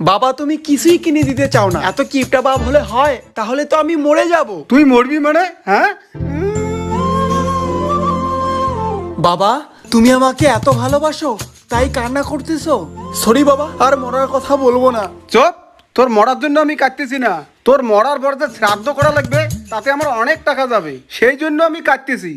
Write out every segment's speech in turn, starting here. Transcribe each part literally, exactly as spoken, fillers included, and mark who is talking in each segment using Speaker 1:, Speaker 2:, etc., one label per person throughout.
Speaker 1: বাবা তুমি কিছুই কিনে দিতে চাও না, এত কিপটা বাপ হলে হয়? তাহলে তো আমি মরে যাব।
Speaker 2: তুই মরবি মানে? হ্যাঁ
Speaker 1: বাবা তুমি আমাকে এত ভালোবাসো তাই কান্না করতেছো? সরি বাবা, আর মরার কথা বলবো না।
Speaker 2: চুপ, তোর মরার জন্য আমি কাটতেছি না, তোর মরার পর যে শ্রাদ্ধ করা লাগবে তাতে আমার অনেক টাকা যাবে, সেই জন্য আমি কাটতেছি।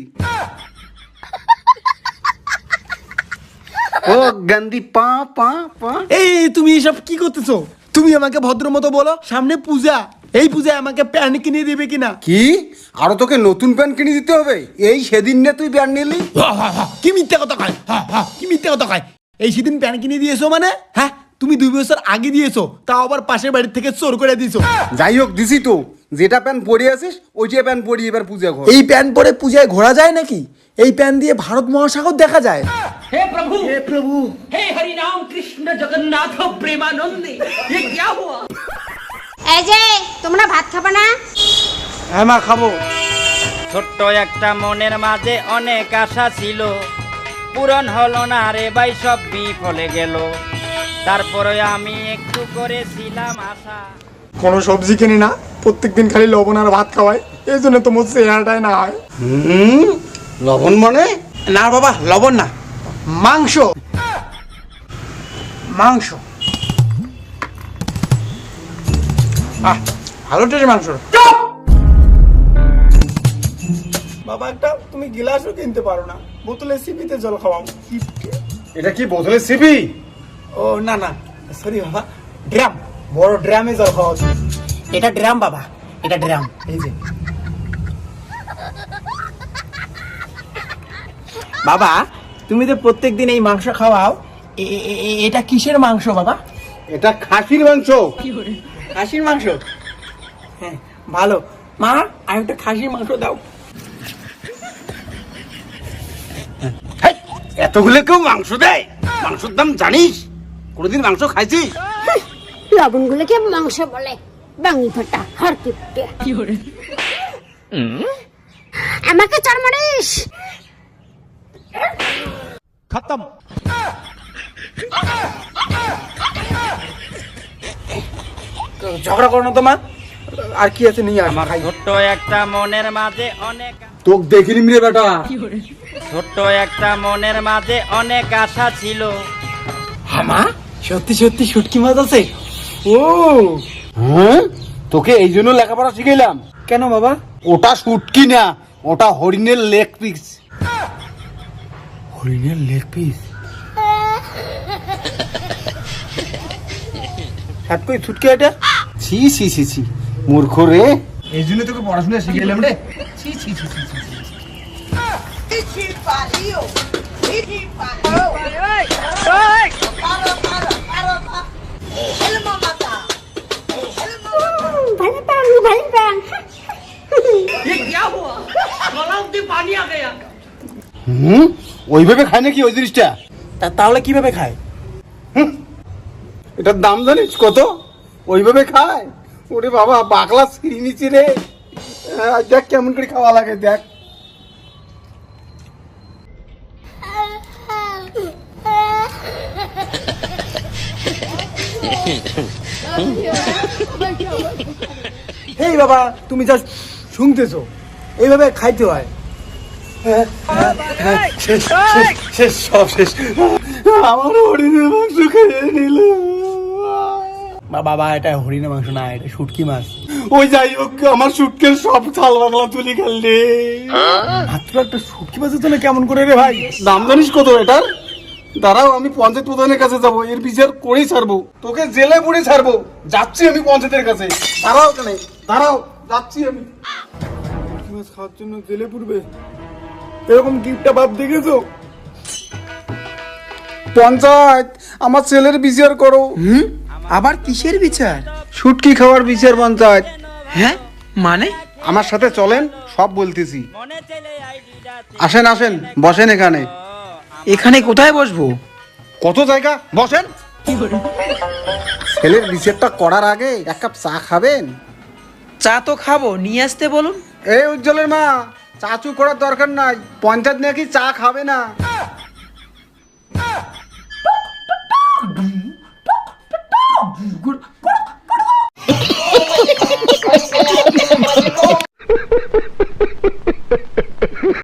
Speaker 2: ও গান্ধী পা পা পা।
Speaker 1: এই তুমি এসব কি করতেছো? তুমি আমাকে ভদ্র মতো বলো, সামনে পূজা, এই পূজায় আমাকে প্যান্ট কিনে দিবে কিনা?
Speaker 2: কি আরো তোকে নতুন প্যান্ট কিনে দিতে হবে? এই সেদিন না তুই প্যান্ট নিলি?
Speaker 1: কি মিথ্যা কথা কয়, কি মিথ্যা কথা কয়? এই সেদিন প্যান্ট কিনে দিয়েছো মানে? হ্যাঁ তুমি দুই বছর আগে দিয়েছো, তাও আবার পাশের বাড়ির থেকে চোর করে দিয়েছো।
Speaker 2: যাই হোক দিছি তো, যেটা প্যান্ট পরে আছিস ওইটা প্যান্ট পরি এবার পূজা ঘর।
Speaker 1: এই প্যান্ট পরে পূজায় ঘোরা যায় নাকি? এই প্যান্ট দিয়ে ভারত মহাসাগর দেখা যায়।
Speaker 3: हे प्रभु
Speaker 1: হে প্রভু,
Speaker 3: हे हरि राम कृष्ण जगन्नाथ प्रेमानंदे ये क्या हुआ?
Speaker 4: এই যে তোমরা ভাত খাবে না?
Speaker 1: হ্যাঁ মা খাবো।
Speaker 5: ছোট্ট একটা মনের মাঝে অনেক আশা ছিল, পূরণ হলো না রে ভাই, সব বিফলে গেল। তারপরে আমি একটু করেছিলাম আশা।
Speaker 6: কোনো সবজি কিনি না, প্রত্যেকদিন খালি লবণ আর ভাত খাওয়ায়, এই জন্য তোমার চেহারাটাই না হয়।
Speaker 2: হুম লবণ মানে?
Speaker 1: না বাবা, লবণ না, মাংস, মাংস। আহ ভালো টেস্ট মাংস। বাবা একটা তুমি গিলাসও কিনতে পারো না, বোতলে সিপিতে জল খাওয়াও।
Speaker 2: এটা কি বোতলে সিপি?
Speaker 1: ও না না সরি বাবা, ড্রাম, বড় ড্রামে জল খাওয়া উচিত। এটা ড্রাম বাবা, এটা ড্রাম, এই যে। বাবা তুমি তো প্রত্যেকদিন এই মাংস খাওয়াও, এ- এ- এ- এটা কিসের মাংস বাবা?
Speaker 2: এটা খাসির মাংস।
Speaker 1: খাসির মাংস? হ্যাঁ ভালো। মা আর একটা খাসির মাংস দাও।
Speaker 2: এতগুলো কেউ মাংস দেয়? মাংসের দাম জানিস? কোনোদিন মাংস খাইছিস?
Speaker 4: লবণগুলোকে মাংস বলে, বাঙি ফাটা হার কিপটে। আমাকে চর মারিস?
Speaker 1: খতম। ঝগড়া করো না তো মা, আর কি আছে নিয়ে
Speaker 5: আমার
Speaker 1: আমার
Speaker 5: ছোট্ট একটা মনের মাঝে অনেক
Speaker 2: তোক দেখিনি রে বেটা।
Speaker 5: ছোট্ট একটা মনের মাঝে অনেক আশা ছিল।
Speaker 1: মা সত্যি সত্যি শুটকি মাছ আছে? ও
Speaker 2: হ্যাঁ তোকে এই জন্য লেখাপড়া শিখাইলাম।
Speaker 1: কেন বাবা?
Speaker 2: ওটা শুটকি না, ওটা হরিণের লেগ পিস।
Speaker 1: হরিণের লেগ পিস? হাত কই ছুটকে এটা?
Speaker 2: ছি ছি ছি ছি মূর্খ রে, এই জন্য তোকে পড়াশোনা শিখাইলাম রে। ছি ছি ছি ছি ছি।
Speaker 4: ভালো প্রাণ, ভালো প্রাণ।
Speaker 3: ये क्या हुआ? गला में पानी आ गया।
Speaker 2: হুম ওইভাবে খায় নাকি ওই জিনিসটা?
Speaker 1: তা তাহলে কিভাবে খায়?
Speaker 2: এটার দাম জানিস কত? ওইভাবে খায়? ওরে বাবা বাকলা ছিঁড়ি নিচি রে। আহ, দেখ কেমন করে খাওয়া লাগে দেখ।
Speaker 1: এই বাবা তুমি যা শুনতেছো, এইভাবে খাইতে হয়।
Speaker 2: শেষ শেষ শেষ সব শেষ। আমার হরিণের মাংস খেয়ে নিল।
Speaker 1: বা বাবা এটা হরিণের মাংস না, এটা শুটকি মাছ।
Speaker 2: ওই যাই হোক আমার সুটকের সব ছাল বাংলা তুলি খেললে।
Speaker 1: মাত্র একটা শুটকি মাছের জন্য কেমন করে রে ভাই?
Speaker 2: দাম জানিস কত এটার? দাঁড়াও আমি পঞ্চায়েত প্রধানের কাছে যাবো, এর বিচার করেই ছাড়বো, তোকে জেলে পুড়ে ছাড়বো। যাচ্ছি আমি পঞ্চায়েতের কাছে। দাঁড়াও কেন, দাঁড়াও যাচ্ছি আমি।
Speaker 1: শুটকি মাছ খাওয়ার জন্য জেলে পুরবে, এরকম গিফটটা বাপ দেখেছো?
Speaker 2: পঞ্চায়েত আমার ছেলের বিচার করো।
Speaker 1: হুম আবার কিসের বিচার?
Speaker 2: শুটকি খাওয়ার বিচার পঞ্চায়েত।
Speaker 1: হ্যাঁ মানে?
Speaker 2: আমার সাথে চলেন, সব বলতেছি।
Speaker 5: মনে চলে আইডিটা
Speaker 2: আসেন আসেন বসেন এখানে।
Speaker 1: এখানে কোথায় বসবো?
Speaker 2: কত জায়গা, বসেন। ছেলের বিচারটা করার আগে এক কাপ চা খাবেন?
Speaker 7: চা তো খাবো, নিয়ে আসতে বলুন।
Speaker 2: এই উজ্জ্বলের মা, চাচু করার দরকার নাই, পঞ্চায়েত নাকি চা খাবে না।
Speaker 1: গুড